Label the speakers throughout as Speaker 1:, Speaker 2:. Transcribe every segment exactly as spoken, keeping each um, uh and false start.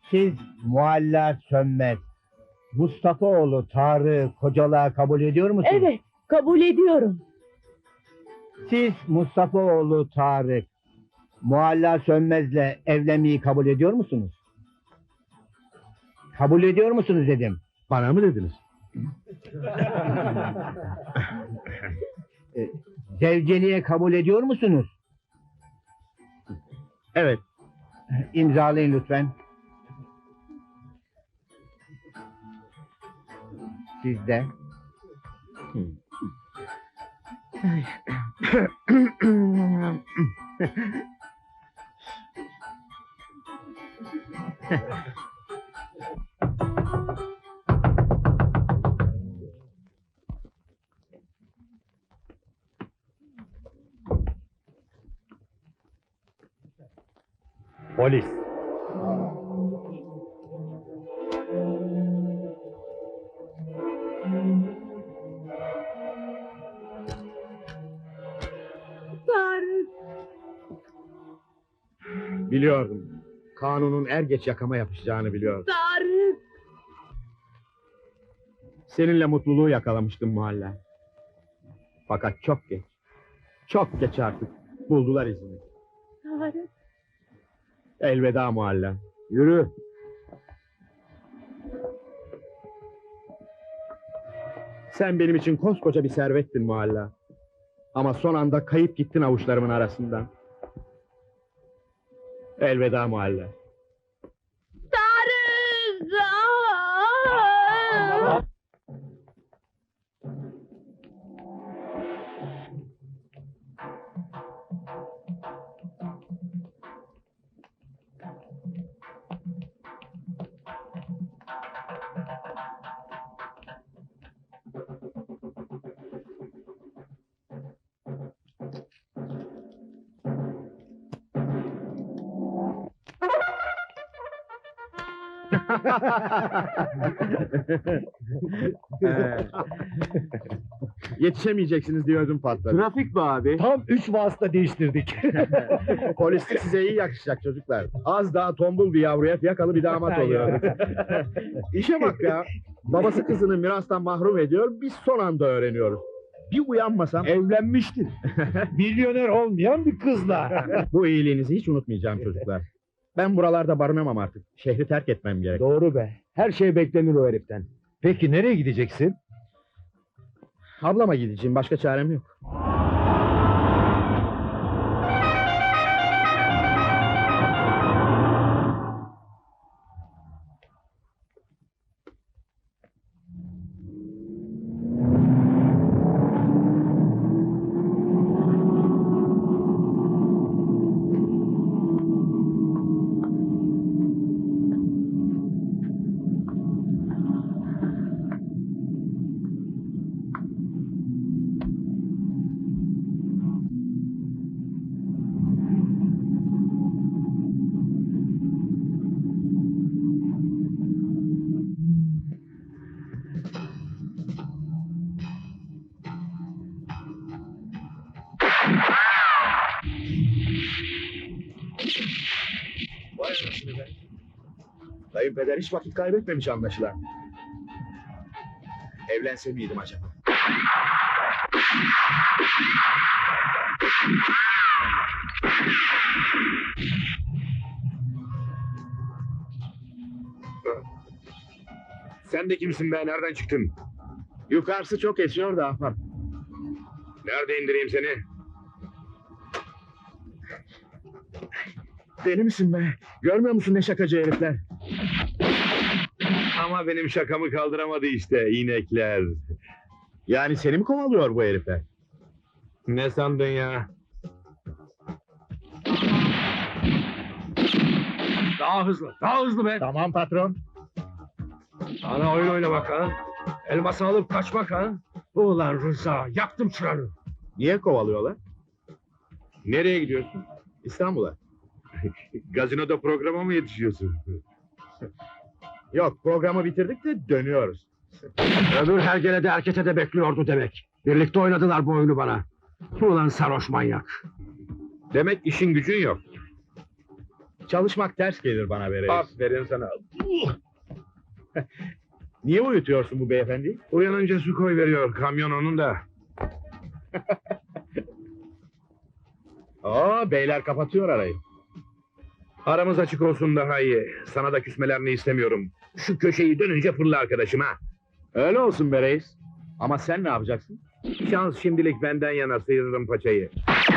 Speaker 1: Siz Mualla Sönmez, Mustafaoğlu Tarık'ı kocalığa kabul ediyor musunuz?
Speaker 2: Evet, kabul ediyorum.
Speaker 1: Siz Mustafaoğlu Tarık, Mualla Sönmez'le evlenmeyi kabul ediyor musunuz? Kabul ediyor musunuz dedim.
Speaker 3: Bana mı dediniz?
Speaker 1: E, Zevceliğe kabul ediyor musunuz?
Speaker 3: Evet.
Speaker 1: İmzalayın lütfen. Siz de.
Speaker 3: Polis.
Speaker 2: Tarık.
Speaker 3: Biliyordum. Kanunun er geç yakama yapışacağını biliyordum.
Speaker 2: Tarık.
Speaker 3: Seninle mutluluğu yakalamıştım Mualla. Fakat çok geç. Çok geç artık. Buldular izini.
Speaker 2: Tarık.
Speaker 3: Elveda Mualla. Yürü. Sen benim için koskoca bir servettin Mualla. Ama son anda kayıp gittin avuçlarımın arasından. Elveda Mualla.
Speaker 2: Tarık. Aa!
Speaker 3: Yetişemeyeceksiniz diyordum patladı.
Speaker 4: Trafik mi abi?
Speaker 1: Tam üç vasıta değiştirdik.
Speaker 3: Polislik size iyi yakışacak çocuklar. Az daha tombul bir yavruya fiyakalı bir damat oluyor. İşe bak ya. Babası kızını mirastan mahrum ediyor. Biz son anda öğreniyoruz. Bir uyanmasam...
Speaker 4: Evlenmiştin. Milyoner olmayan bir kızla.
Speaker 3: Bu iyiliğinizi hiç unutmayacağım çocuklar. Ben buralarda barınamam artık. Şehri terk etmem gerek.
Speaker 4: Doğru be. Her şey beklenir o heriften. Peki nereye gideceksin?
Speaker 3: Ablama gideceğim. Başka çarem yok. Vay anasını be. Kayınpeder hiç vakit kaybetmemiş anlaşılan. Evlense miydim acaba?
Speaker 5: Sen de kimsin be? Nereden çıktın?
Speaker 3: Yukarısı çok esiyor da ahbap.
Speaker 5: Nerede indireyim seni?
Speaker 3: Deli misin be? Görmüyor musun ne şakacı herifler?
Speaker 5: Ama benim şakamı kaldıramadı işte inekler.
Speaker 3: Yani seni mi kovalıyor bu herifler?
Speaker 5: Ne sandın ya?
Speaker 4: Daha hızlı. Daha hızlı be.
Speaker 3: Tamam patron.
Speaker 4: Ana oyun oynamak ha. Elması alıp kaçmak ha. Ulan Rıza, yaktım çıranı.
Speaker 3: Niye kovalıyorlar?
Speaker 5: Nereye gidiyorsun?
Speaker 3: İstanbul'a.
Speaker 5: Gazinoda programa mı yetişiyorsun?
Speaker 3: Yok, programı bitirdik de dönüyoruz.
Speaker 4: Öbür hergele de erkete de bekliyordu demek. Birlikte oynadılar bu oyunu bana. Ulan sarhoş manyak.
Speaker 5: Demek işin gücün yok.
Speaker 3: Çalışmak ters gelir bana be reis.
Speaker 5: Aferin sana.
Speaker 3: Niye uyutuyorsun bu beyefendi?
Speaker 5: Uyanınca su koy veriyor kamyon onun da.
Speaker 3: Aa, beyler kapatıyor arayı.
Speaker 5: Aramız açık olsun daha iyi. Sana da küsmelerini istemiyorum. Şu köşeyi dönünce fırla arkadaşım ha.
Speaker 3: Öyle olsun be reis. Ama sen ne yapacaksın?
Speaker 5: Şans şimdilik benden yana, sıyırırım paçayı.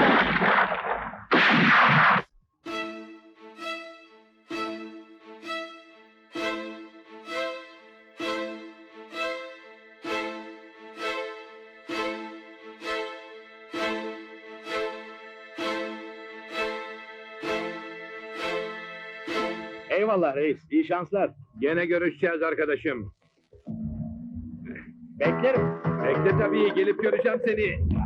Speaker 3: Eyvallah reis. İyi şanslar.
Speaker 5: Gene görüşeceğiz arkadaşım.
Speaker 3: Beklerim.
Speaker 5: Bekle tabii, gelip göreceğim seni.